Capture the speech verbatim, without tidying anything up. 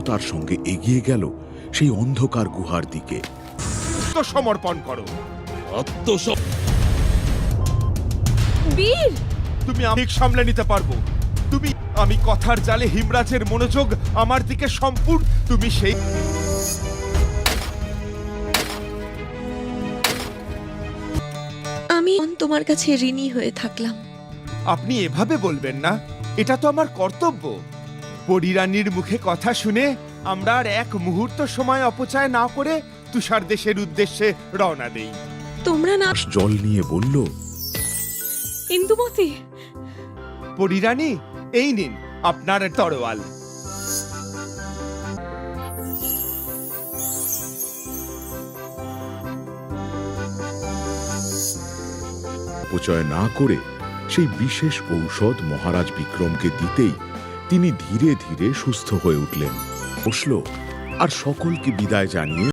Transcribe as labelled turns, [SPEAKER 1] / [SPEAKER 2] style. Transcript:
[SPEAKER 1] তার সঙ্গে এগিয়ে গেল সেই অন্ধকার গুহার দিকে।
[SPEAKER 2] সমর্পণ করো।
[SPEAKER 3] বীর,
[SPEAKER 2] তুমি আমি সামলে নিতে পারবো। তুমি আমি কথার জালে হিমরাজের মনোযোগ আমার দিকে সম্পূর্ণ। তুমি সেই
[SPEAKER 3] আমি তোমার কাছে ঋণী হয়ে থাকলাম।
[SPEAKER 2] আপনি এভাবে বলবেন না, এটা তো আমার কর্তব্য। পরিরানীর মুখে কথা শুনে আমরা আর এক মুহূর্ত সময় অপচয় না করে তুষার দেশের উদ্দেশ্যে রওনা দেই।
[SPEAKER 3] তোমরা না
[SPEAKER 1] জল নিয়ে বলল,
[SPEAKER 3] ইন্দুমতি,
[SPEAKER 2] পরিরানী, এই নিন আপনার তরোয়াল।
[SPEAKER 1] অপচয় না করে সেই বিশেষ ঔষধ মহারাজ বিক্রমকে দিতেই তিনি ধীরে ধীরে সুস্থ হয়ে উঠলেন। বসল আর সকলকে বিদায় জানিয়ে